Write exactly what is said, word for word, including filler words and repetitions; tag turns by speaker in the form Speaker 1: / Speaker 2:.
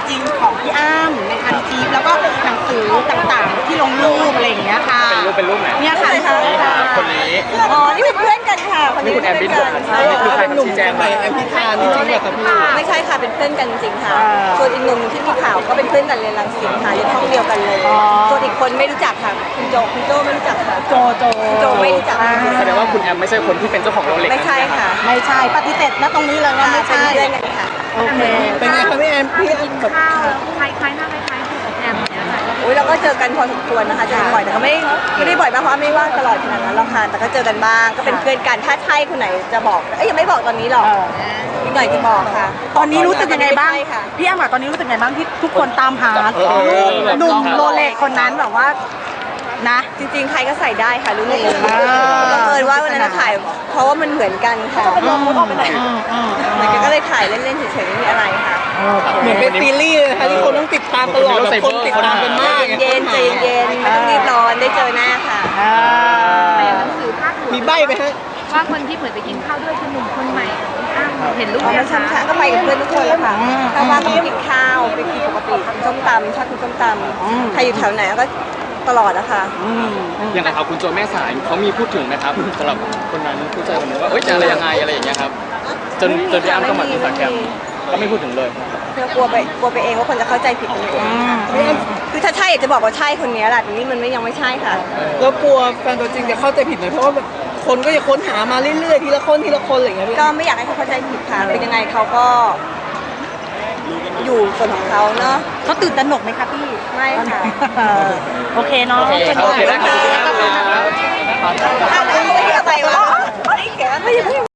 Speaker 1: จริงของพี่อ้ำในคันจีบแล้วก็หนังสือต่างๆที่ลงรูปอะไรอย่างเงี้ยค่ะ
Speaker 2: เป็นรูปเป็นรูปไหน
Speaker 1: เนี่ยค่ะ
Speaker 2: คนนี้
Speaker 3: อ๋อนี่เป็นเพื่อนกันค่ะคนนี้
Speaker 2: นี่คุณแอมบินบอก
Speaker 3: ใช่
Speaker 2: นี่คือใครครับชี้แจงไป
Speaker 4: แอมพิธานจริงๆเหรอครับพี่
Speaker 3: ไม่ใช่ค่ะเป็นเพื่อนกันจริงค่ะส่วนอีกหนุ่มที่มีข่าวก็เป็นเพื่อนกันเรียนรังสิตค่ะเรียนห้องเดียวกันเลยส่วนอีกคนไม่รู้จักค่ะคุณโจคุณโจไม่รู้จักค่ะ
Speaker 1: โจโจ
Speaker 3: โจไม่รู้จัก
Speaker 2: แสดงว่าคุณแอมไม่ใช่คนที่เป็นเจ้าของโรเล็ก
Speaker 3: ไม่ใช่ค่ะ
Speaker 1: ไม่ใช่ปฏิเสธณตรงนี้เลยว่าไม่ใช่
Speaker 3: เป็นเพื่อนกันค่ะ
Speaker 1: โอเค
Speaker 4: เป็นไงครับพี่แอมพี่แอมแบบ
Speaker 5: ข้าวคล้ายๆหน้าคล้ายๆกับแอมเนี่ยค่ะ
Speaker 3: โอ้ยเราก็เจอกันพอสมควรนะคะเจอกันบ่อยแต่ก็ไม่ไม่ได้บ่อยมากเพราะไม่ว่างตลอดขนาดนั้นหรอกค่ะแต่ก็เจอกันบ้างก็เป็นเพื่อนกันถ้าใช่คนไหนจะบอกเอ้ยยังไม่บอกตอนนี้หรอกอีกหน่อยจะบอกค่ะ
Speaker 1: ตอนนี้รู้สึกยังไงบ้าง
Speaker 3: ใช่ค่ะ
Speaker 1: พี่อ้ำอะตอนนี้รู้สึกยังไงบ้างที่ทุกคนตามหาหนุ่มโรเล็กคนนั้นแบบว่านะ
Speaker 3: จริงๆใครก็ใส่ได้ค่ะรู้เลยบังเอิญว่าวันนั้นถ่ายเพราะว่ามันเหมือนกันค่ะมันก็เลยถ่ายเล่นๆเฉยๆไม่มีอะไรค่ะ
Speaker 4: เหมือนเป็นซีรีส์เลยนะคะที่คนต้องติดตามตลอดแบบคนติดตามกันมาก
Speaker 3: เย็นใจเย็นไม่ต้องรีบร้อนได้เจอหน้าค่ะ
Speaker 5: หนังสือภาค
Speaker 4: มีใบไหมฮะ
Speaker 5: ว่าคนที่เหมือนไปกินข้าวด้วยคือหนุ่มคนใหม่อ้าวเห็นรูป
Speaker 3: แล้วช้ำๆก็ไปกับเพื่อนทุกคนเลยค่ะถ้าว่างก็ไปกินข้าวไปกินปกติกินส้มตำชอบกินส้มตำใครอยู่แถวไหนก็ตลอดนะคะ
Speaker 2: อย่างไรครับคุณโจแม่สายเขามีพูดถึงนะครับสำหรับคนนั้นผู้ชายคนนี้ว่าเอ้ยจะอะไรยังไงอะไรอย่างเงี้ยครับจนจนพี่อ้ำต้องมาที่สังแคมก็ไม่พูดถึงเลย
Speaker 3: เพื่อกลัวไปกลัวไปเองว่าคนจะเข้าใจผิดกันเองคือถ้าใช่อยากจะบอกว่าใช่คนนี้แหละแต่นี่มันไม่ยังไม่ใช่ค่ะ
Speaker 4: แล้วกลัวแฟนตัวจริงจะเข้าใจผิดไหมเพราะว่าแบบคนก็จะค้นหามาเรื่อยๆทีละคนทีละคนอะไรอย่างเงี้ย
Speaker 3: ก็ไม่อยากให้เขาเข้าใจผิดค่ะเป็นยังไงเขาก็อยู่ส่วนของเขาเนาะ
Speaker 1: เขาตื่นตระหนกไหมคะพี่
Speaker 3: ไม่ค่ะ
Speaker 1: โอเคเนาะ
Speaker 2: โอเคครับโอเคได้ครับ
Speaker 3: อะไรวะไม่เขียนไม่